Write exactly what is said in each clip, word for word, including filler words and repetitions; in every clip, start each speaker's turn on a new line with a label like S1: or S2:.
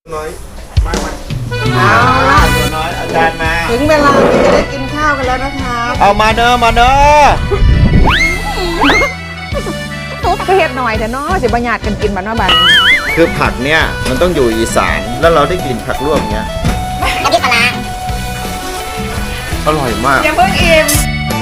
S1: น้อยมามาเอาล่ะตัวน้อยอาจารย์มา
S2: ถึงเวลาที่จะได้กินข้าวกันแล้วนะคะ
S1: เอามาเนอะมาเนอะ
S2: ก็เฮ็ดหน่อยแต่เนาะสิบรรยากกันกินบ้านว่าบ้าน
S1: คือผักเนี่ยมันต้องอยู่อีสานแล้วเราได้กลิ่นผักลวกเนี้ย
S3: น้ำพริกปลา
S1: อร่อยมาก
S2: ยังเพิ่งอิ่ม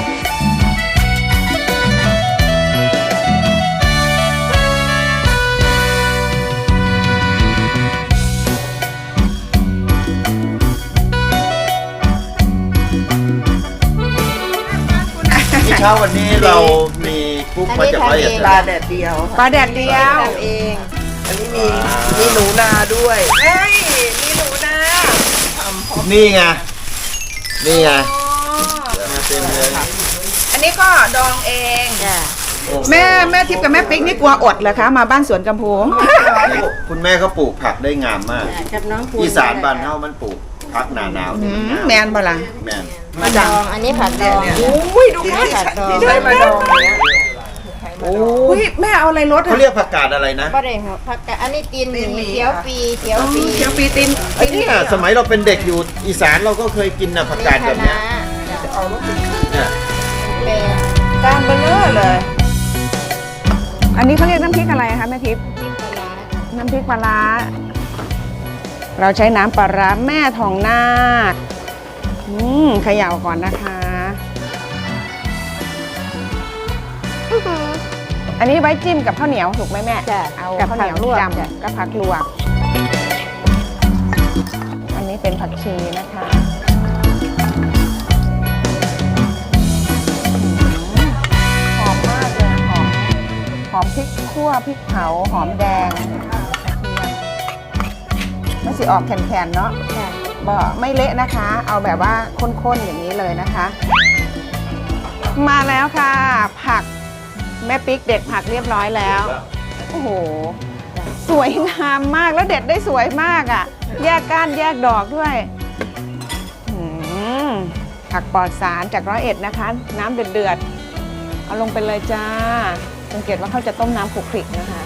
S1: เช้าวันนี้เรามีกุ๊กมาจากร้อยเอ็ด
S2: ปลาแดดเดียวปลาแดดเดียวทำเองอันนี้มีมีหนูนาด้วยเฮ้ยมีหนูนา
S1: นี่ไงนี่ไงมาเต็มเลย
S2: อันนี้ก็ดองเองแม่แม่ทิพย์กับแม่ปิ๊กนี่กลัวอดเหรอคะมาบ้านสวนกำโพง
S1: คุณแม่เขาปลูกผักได้งามมากอีสานบ้านเฮามันปลูกผักหนาหนาว
S2: แมนบ่ล่ะ
S1: แมน
S3: มาดองอันนี้ผัดดอง
S2: อุ้ยดูแม่ผัดดองได้มาดองโอ้ยแม่เอาอะไรรส
S1: เขาเรียกผักกาดอะไรนะ
S3: ก็ได้หัวผักกาดอันนี้ตีนหมีเขียวปีเขียวปี
S2: เขียวปีตีน
S1: ไอ้นี่สมัยเราเป็นเด็กอยู่อีสานเราก็เคยกินนะผักกาดแบบนี้เนี่ย
S2: ก้านเบลเลอร์เลยอันนี้เขาเรียกน้ำพริกอะไรคะแม่ทิพย์น้ำพริกปลาร้าเราใช้น้ำปลาร้าแม่ทองนาคอืมเขย่าก่อนนะคะอันนี้ไว้จิ้มกับข้าวเหนียวถูกไหมแม่เอาข้าวเหนียวจำกับผักลวกอันนี้เป็นผักชีนะคะหอมมากเลยหอมหอมพริกขั่วพริกเผาหอมแดงไม่สิออกแข็งๆเนาะบ่ไม่เละนะคะเอาแบบว่าข้นๆอย่างนี้เลยนะคะมาแล้วค่ะผักแม่ปิ๊กเด็ดผักเรียบร้อยแล้วโอ้โหสวยงามมากแล้วเด็ดได้สวยมากอ่ะแยกก้านแยกดอกด้วยผักปลอดสารจากร้อยเอ็ดนะคะน้ำเดือดๆเอาลงไปเลยจ้าสังเกตว่าเขาจะต้มน้ำขลุกขลิกนะคะ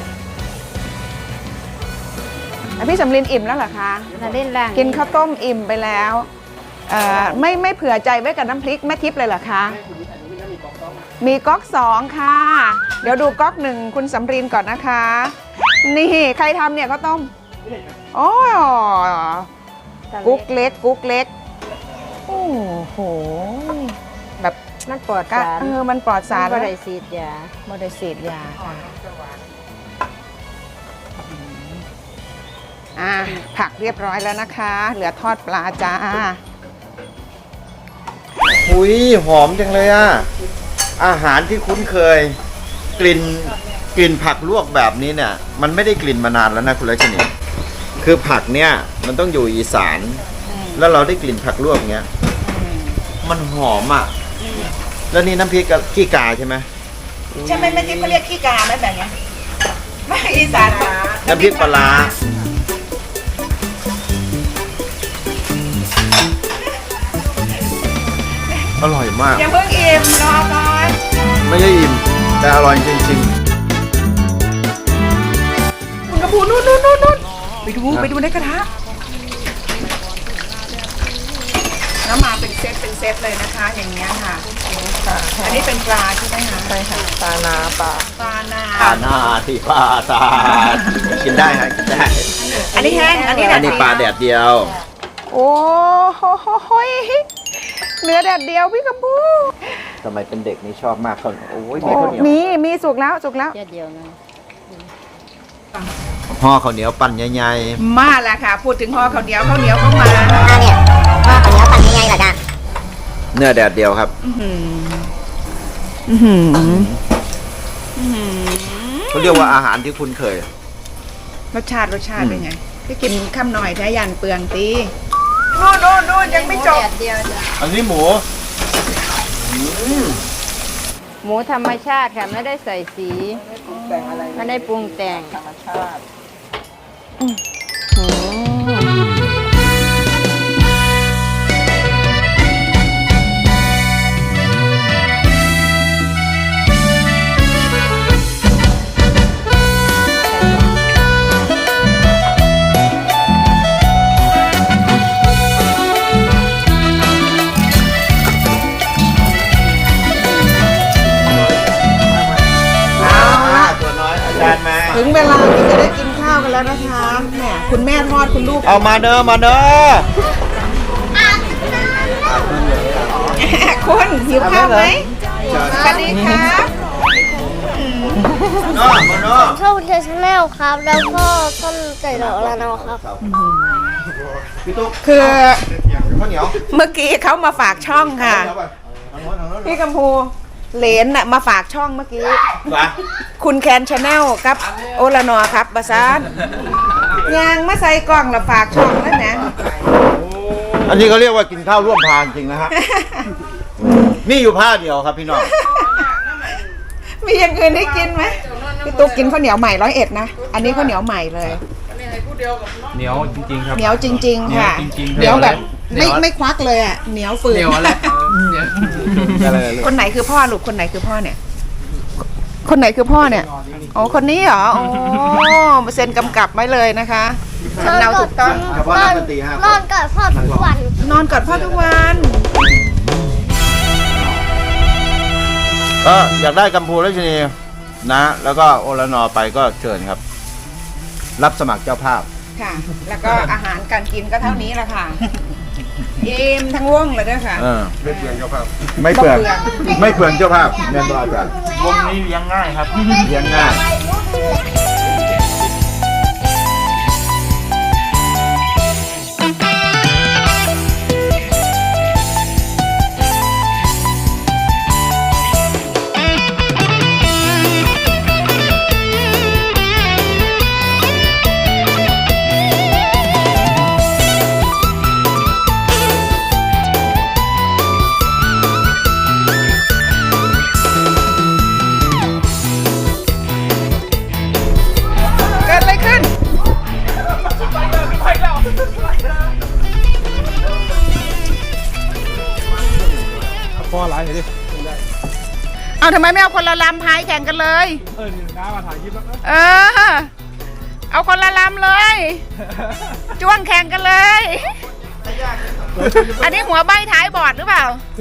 S2: พี่สำลินอิ่มแล้วเหรอคะกินข้าวต้มอิ่มไปแล้วไม่ไม่เผื่อใจไว้กับน้ำพริกแม่ทิพย์เลยเหรอคะมีก๊อกสองค่ะเดี๋ยวดูก๊อกหนึ่งคุณสำรินก่อนนะคะนี่ใครทำเนี่ยข้าวต้มโอ้กุ๊กเล็กกุ๊กเล็กโอ้โหแบบ
S3: มันปลอดสาร
S2: เออมันปลอดสาร
S3: ไม่ได้ฉีดยา
S2: ไม่ได้ฉีดยาค่ะอ่ะผักเรียบร้อยแล้วนะคะเหลือทอดปลาจ้า
S1: หุยหอมจังเลยอ่ะอาหารที่คุ้นเคยกลิ่นกลิ่นผักลวกแบบนี้เนี่ยมันไม่ได้กลิ่นมานานแล้วนะคุณรัชนีคือผักเนี่ยมันต้องอยู่อีสานแล้วเราได้กลิ่นผักลวกเงี้ยมันหอมอ่ะแล้วนี่น้ำพริกกับขี้กาใช่ไหม
S2: ใช่ไหมแม่ทิพย์เขาเรียกขี้กาไหมแบบนี้ไม่อีสาน
S1: น้ำพริกปลาอร่อยมาก
S2: ยังเพิ่งอิ่มรอก่อน
S1: ไม่ใช่อิ่มแต่อร่อยจริง
S2: ๆคุณกระพูนู่นนู่นนู่นนู่นไปดูไปดูในกระทะแล้วมาเป็นเซตเป็นเซตเลยนะคะอย่างเงี้ยค่ะอันนี้เป็นปลาใช่ไหมคะใช่ค่ะปลานาปลาปลานา
S1: ปลานาที่ปลาตากินได้ค่ะกินได้
S2: อันนี้แห้งอันนี้
S1: อันนี้ปลาแดดเดียว
S2: โอ้โหเนื้อแดดเดียวพี่กระพู
S1: สมัยเป็นเด็กนี่ชอบมากเขาโอ้ยมีข้าวเหนียว
S2: มีมีสุกแล้วสุกแล้ว
S3: เดียวนะ
S1: ห่อข้าวเหนียวปั่นใหญ่
S2: ๆมาแล้วค่ะพูดถึงห่อข้าวเหนียวข้าวเหนียวก็มา
S3: เนี่ยห่อข้าวเหนียวปั่นใหญ่ๆเหรอจ๊ะ
S1: เนื้อแดดเดียวครับเขาเรียกว่าอาหารที่คุ้นเคย
S2: รสชาติรสชาติเป็นไงพี่กินข้ามหน่อยแท้ยันเปลืองตีโน่นโน่นโน่นยังไม่จบ
S1: อันนี้หมู
S3: หมูธรรมชาติค่ะไม่ได้ใส่สีไม่ได้ปรุงแต่งธรรมชาติ
S2: แล้วนะคะแหมคุณแม่ทอดคุณลูก
S1: เอามาเด้อมาเด้อ
S2: คุณหิวข้าวไหมสวัสดีครับ
S1: เนาะมาเนาะ
S4: ชอบเทชแนลครับ แล้วก็ต้นไก่ดอกลานาครับ
S1: พี่ตุ๊ก
S2: คือ
S1: ข้าวเหนียว
S2: เมื่อกี้เขามาฝากช่องค่ะ
S1: เอาไปทางโน้นทางโน้น
S2: พี่กัมพูเหลนน่ะมาฝากช่องเมื่อกี้
S1: ไป
S2: คุณแคนชาแนลครับโอลานอครับบาซานยางมาใส่กล่องแล้วฝากช่องแล้วนะ
S1: อันนี้เขาเรียกว่ากินข้าวร่วมพานจริงนะฮะนี่อยู่ผ้าเดียวครับพี่น้อง
S2: มีอย่างอื่นให้กินไหมพี่ตุ๊กกินข้าวเหนียวใหม่ร้อยเอ็ดนะ อันนี้ข้าวเหนียวใหม่เลย
S5: เหนียวจริงๆครับ
S2: เหนียวจริง ๆ ค่ะ
S5: เหนียวจริงๆ
S2: เหนียวแบบ
S5: เหนี
S2: ไม่
S5: ยว
S2: ไม่ควักเลยอ่ะเหนียวฝืน
S5: เหนียวอะไรเหนียว
S2: คนไหนคือพ่อลูกคนไหนคือพ่อเนี่ย คนไหนคือพ่อเนี่ยอ๋อคนนี้เหรอโอ้มาเซ็นกำกับไว้เลยนะคะสำเนาถูกต้อง
S1: เฉพาะนักดนตรีห้าคน
S4: นอนกับพ่อทุกวัน
S2: นอนกอดพ่อทุกวัน
S1: ก็อยากได้กัมพูราชินีนะ แล้วก็โอลานอไปก็เชิญครับ รับสมัครเจ้าภาพ
S2: ค่ะ แล้วก็อาหารการกินก็เท่านี้แหละค่ะอิ่มทั้งวงเลยด้วยค่ะ
S1: เออไม่เปลืองเจ้าภาพ ไม่เปลืองไม่เปลืองเจ้าภาพแน่นอนจ้ะ
S5: วงนี้เลี้ยงง่ายครับ
S1: เลี้ยงง่าย
S2: เกิดอะไรขึ้น
S5: พ่อร้ายเห็นดิ
S2: เอาทำไมไม่เอาคนละลำพายแข่งกันเลย
S5: เออนี่น้ามาถ่ายคลิปแล้ว
S2: เออ เอาคนละลำเลย จ้วงแข่งกันเลย อันนี้หัวใบท้ายบอดหรือเปล่า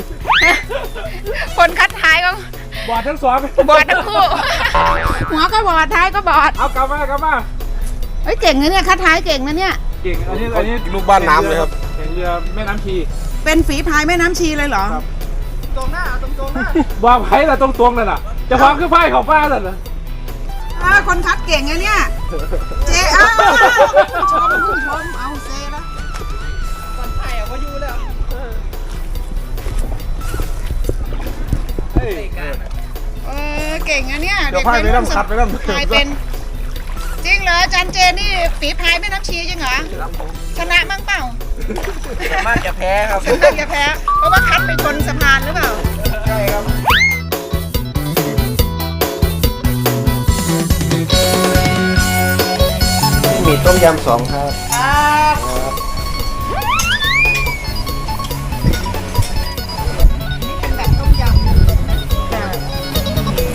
S2: คนคัดท้ายก็
S5: บอดทั้งสอง
S2: บอดทั้งคู่ หัวก็บอดท้ายก็บอด
S5: เอากลับมากลับมา
S2: เฮ้ยเก่งนะเนี่ยคัดท้ายเก่งนะเนี่ย
S5: เก่งอันนี้อันนี้
S6: ลูกบ้านน้ำเลยครับ
S5: แข่งเรือแม่น้ำชี
S2: เป็นฝีพายแม่น้ำชีเลยเหรอ
S5: ว่าไผ่ละตรงตรงๆนั่นน่ะจะฟังคือไพ่ของฟ้านั่นน่ะ
S2: อ่าคนคัดเก่งไงเนี่ย เจ๊อ้าวชมพุ่งชม เอาเซแล้วคนไทยอ่ะว่าอยู่แล้ว
S5: เฮ้ย
S2: เออเก่งอะเนี่ย
S6: เดี๋ยวพายไปน้ำคัดไปน้ำ
S2: พายเป็น จริงเหรออาจารย์เจนนี่ฝีพายแม่น้ำชีจริงเหรอชนะมั่งเปล่า
S6: มากจะแพ้ครับ
S2: ชนะอย่าแพ้ เพราะว่าคัดไปชนสะพานหรือเปล่า
S6: ใช่ครับ มีต้มยำสองครับ
S2: ครับนี่เป็นแบบต้มยำจ้ะ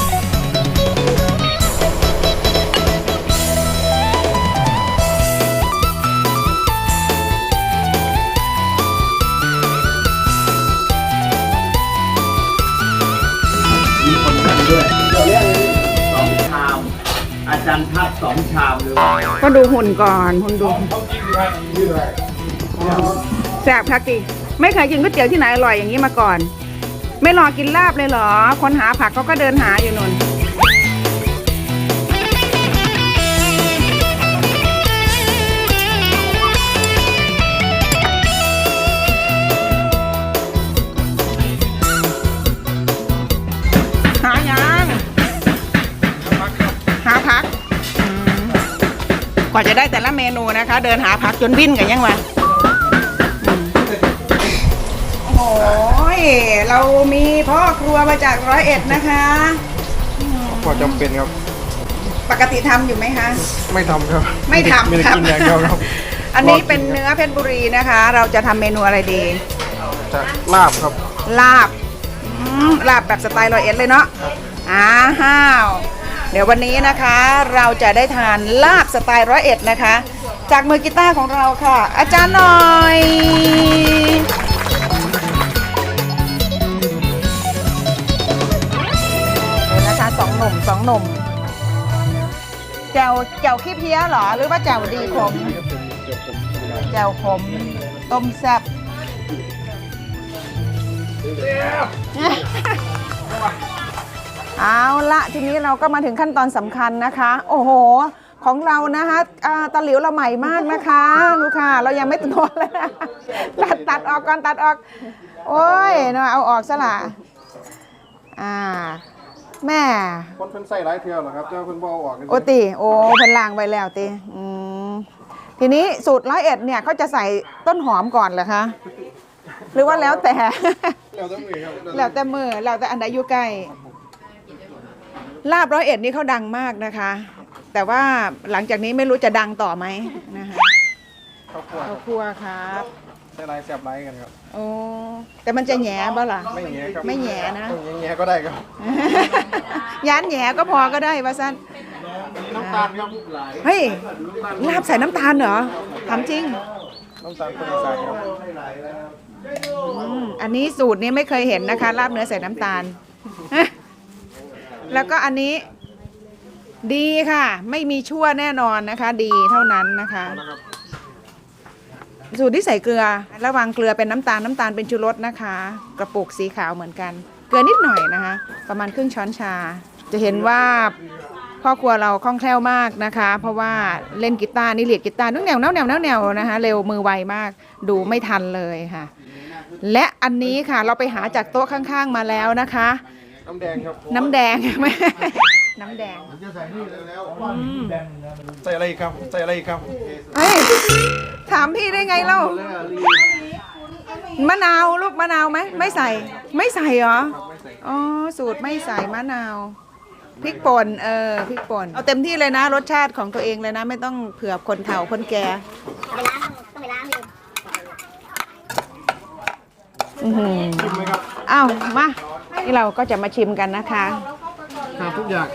S1: มีคนนั่งด้วยเราเรียกสองชาม อาจารย์ทัดสองชามเลย
S2: ก็ดูหุ่นก่อนหุ่นดูแซ่บคักดิไม่เคยกินก๋วยเตี๋ยวที่ไหนอร่อยอย่างนี้มาก่อน ไม่รอกินลาบเลยเหรอ คนหาผักเขาก็เดินหาอยู่นนหายังหาผักอืมกว่าจะได้แต่ละเมนูนะคะ เดินหาผักจนวิ่นกันยังวะอืมโอ้ยเรามีพ่อครัวมาจากร้อยเอ็ดนะคะ
S6: พอจำเป็นครับ
S2: ปกติทำอยู่ไหมคะ
S6: ไม่ทำครับ
S2: ไม่ทำ
S6: ไม่ได้
S2: ครับ
S6: กินอย่างเดียวครับ
S2: อันนี้เป็นเนื้อเพชรบุรีนะคะ เราจะทำเมนูอะไรดี
S6: จะลาบครับ
S2: ลาบอืมลาบแบบสไตล์ร้อยเอ็ดเลยเนาะอ้าว เดี๋ยววันนี้นะคะ เราจะได้ทานลาบสไตล์ร้อยเอ็ดนะคะ จากมือกีตาร์ของเราค่ะ อาจารย์หน่อยเดี๋ยวนะคะสองหนุ่มสองหนุ่มแจ่วแจ่วขี้เพี้ยเหรอหรือว่าแจ่วดีขมแจ่วขมต้มแซ่บเอาละทีนี้เราก็มาถึงขั้นตอนสำคัญนะคะ โอ้โหของเรานะคะอ่าตะหลิวเราใหม่มากนะคะลูกค่ะเรายังไม่ตัวเลยนะตัดตัดออกก่อนตัดออก โอ้ยเนาะเอาออกซะละอ่าแม่
S6: คนเพิ่นใส่หลายเที่ยวเหรอครับเจ้าเพิ่นบ่เอาออกกัน
S2: โอติโอ้เพิ่นล้างไว้แล้วติอืมทีนี้สูตรร้อยเอ็ดเนี่ยเขาจะใส่ต้นหอมก่อนเหรอคะหรือว่าแล้วแต่
S6: แล้วแต่มือครับ
S2: แล้วแต่มือแล้วแต่อันใดอยู่ใกล้ลาบร้อยเอ็ดนี่เขาดังมากนะคะ แต่ว่าหลังจากนี้ไม่รู้จะดังต่อไหมนะคะ
S6: ข้าวคั่ว
S2: ข้าวคั่วครับ
S6: ใส่หลายแซ่บหลายกันครับ
S2: โอ้แต่มันจะแหย่บ่ล่ะ
S6: ไม่แง่ครับ
S2: ไม่แหย่นะ
S6: ไม่แง่ก็ได้ครับ
S2: ย้านแหย่ก็พอก็ได้ว่าสั้น
S6: น้ำตาลครับ
S2: เฮ้ยลาบใส่น้ำตาลเหรอทำจริง
S6: น้ำตาลคนอีสานครับ
S2: อืมอันนี้สูตรนี้ไม่เคยเห็นนะคะลาบเนื้อใส่น้ำตาล แล้วก็อันนี้ดีค่ะ ไม่มีชั่วแน่นอนนะคะ ดีเท่านั้นนะคะ สูตรที่ใส่เกลือระวังเกลือเป็นน้ำตาลน้ำตาลเป็นชูรสนะคะ กระปุกสีขาวเหมือนกัน เกลือนิดหน่อยนะคะ ประมาณครึ่งช้อนชา จะเห็นว่าพ่อครัวเราคล่องแคล่วมากนะคะ เพราะว่าเล่นกีตาร์นี่เลียดกีตาร์นุ่งแนวแนวแนวแนวแนวนะคะ เร็วมือไวมากดูไม่ทันเลยค่ะ และอันนี้ค่ะเราไปหาจากโต๊ะข้างๆมาแล้วนะคะ
S6: น้ำแดงครับ
S2: น้ำแดง น้ำแดง
S6: ใส่อะไรอีกครับใส่อะไรอีกครับ
S2: เฮ้ยถามพี่ได้ไงเล่ามะนาวลูกมะนาวไหมไม่ใส่ ไม่ใส่เหรออ๋อสูตรไม่ใส่มะนาวพริกป่นเออพริกป่นเอาเต็มที่เลยนะรสชาติของตัวเองเลยนะ ไม่ต้องเผื่อคนเฒ่าคนแก่อือหืออ้าวมานี่เราก็จะมาชิมกันนะคะ
S6: ขาดทุกอย่าง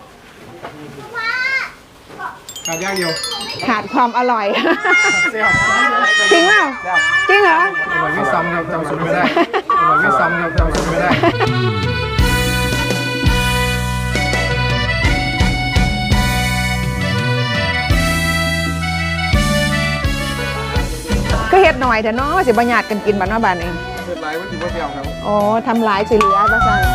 S6: ขาดอย่างเดียว
S2: ขาดความอร่อย
S6: เซี่ยว
S2: จริงเปล่าจริงเหรอ
S6: อร่อยไม่ซ้ำครับจำสูตรไม่ได้อร่อยไม่ซ้ำครับจำสูตรไม่ได้
S2: ก็เฮ็ดหน่อยแต่เนาะสิบ่ญาติกันกินบ้านว่าบ้านเอง
S6: เกิดหลายมันถือว่าเปรี้ยวครับ
S2: โอ้ทำหลายสิเหลือว่าซั่น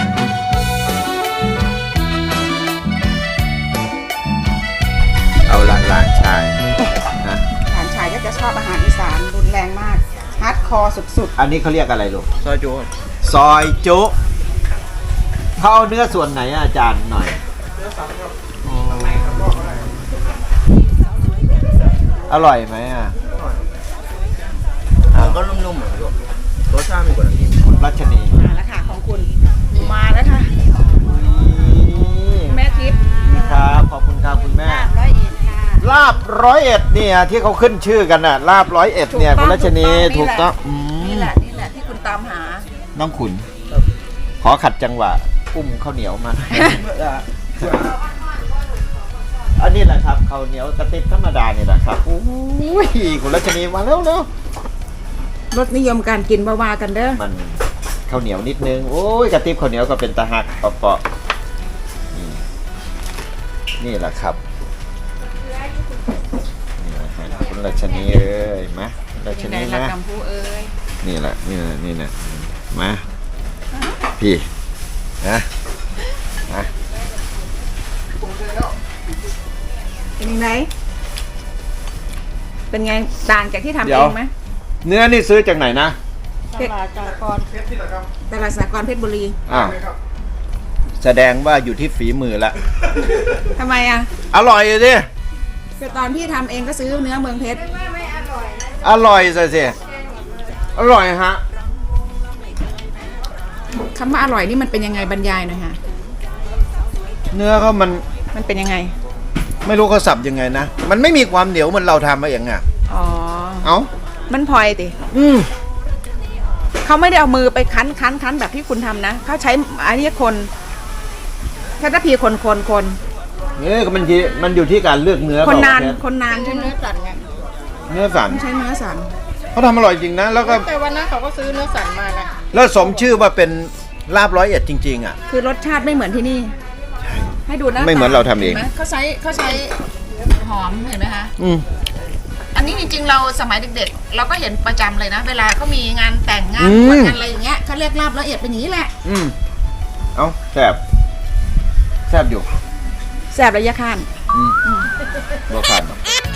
S1: เอาละหลานชายนะ
S2: หลานชายก็จะชอบอาหารอีสานรุนแรงมากฮาร์ดคอร์สุด
S1: อันนี้เขาเรียกอะไรลูก
S6: ซอยจู
S1: ซอยจุเขาเอาเนื้อส่วนไหนอะอาจารย์หน่อยอร่อยไหมอ่ะ
S6: ก็นุ่มๆเหมือนกันรสชาติไม่กว่านี้
S1: คุณรัชนี
S2: ๆมาแล้วค่ะของคุณมาแล้วค่ะ แม่ทิพย์
S1: ครับขอบคุณครับคุณแม่
S3: ร้อยเอ็ดค่ะ
S1: ลาบร้อยเอ็ดเนี่ยที่เขาขึ้นชื่อกันน่ะลาบร้อยเอ็ดเนี่ยคุณรัชนีถูกต้องอืม
S2: นี่แหละนี่แหละที่คุณตามหา
S1: น้องขุนขอขัดจังหวะอุ้มข้าวเหนียวมา อันนี้แหละครับข้าวเหนียวกระติบธรรมดานี่แหละครับโอ้ยคุณรัชนีมาแล้วเร็ว
S2: รสนิยมการกินบาวากันเด้อ
S1: มันข้าวเหนียวนิดนึงโอ้ยกระติบข้าวเหนียวก็เป็นตะหักเปาะๆนี่นี่แหละครับนี่แหละฮะคุณรัชนีเอ้ยมาคุณรัชนี
S2: ละ
S1: นะ
S2: กำพูเอ้ย
S1: นี่แหละนี่แหละนี่แหละมาพี่นะนะ
S2: เป็นยังไงเป็นไงต่างจากที่ทำเองไหม
S1: เนื้อนี่ซื้อจากไหนนะ
S2: ตลาดสากรตลาดสากรเพชรบุรี
S1: อ้าวแสดงว่าอยู่ที่ฝีมือละ
S2: ทำไมอ่ะ
S1: อร่อยสิ
S2: คือตอนพี่ทำเองก็ซื้อเนื้อเมืองเพชร
S1: อร่อยสิสิอร่อยฮะ
S2: คำว่าอร่อยนี่มันเป็นยังไงบรรยายหน่อยค่ะ
S1: เนื้อเขามัน
S2: มันเป็นยังไง
S1: ไม่รู้เขาสับยังไงนะมันไม่มีความเหนียวเหมือนเราทำมาเองอ่ะ
S2: อ๋อ
S1: เอ้า
S2: มันพลอยติ
S1: อืม
S2: เขาไม่ได้เอามือไปคั้นคั้นคั้นแบบที่คุณทำนะเขาใช้อันนี้คนแค่ตะพีคนคนคน
S1: เนี่ยก็มันที่มันอยู่ที่การเลือกเนื้อ
S2: คนนาน
S1: เปล่
S2: คนนานใช่ไหม
S3: เนื้อสันไง
S1: เนื้อสัน
S2: ไม่ใช่เนื้อสัน
S1: เขาทำอร่อยจริงนะแล้วก็
S3: แต่วันนั้นเขาก็ซื้อเนื้อสันมานะ
S1: แล้วสมชื่อว่าเป็นลาบร้อยเอ็ดจริงๆอ่ะ
S2: คือรสชาติไม่เหมือนที่นี่ให้ดูหน้า
S1: ไม่เหมือนเราทำเอง
S2: ห็นไหมเขาใช้เขาใช้หอมเห็นไหมคะ
S1: อืม
S2: อันนี้จริงๆเราสมัยเด็กๆ เราก็เห็นประจำเลยนะ เวลาเขามีงานแต่งงาน
S1: อืม
S2: บวชงานอะไรอย่างเงี้ยเขาเรียกลาบละเอียดเป็นอย่างนี้แหละ
S1: อืมเอาแซ่บแซ่บอยู่
S2: แสบระยะคัน
S1: อืมบ่ขัน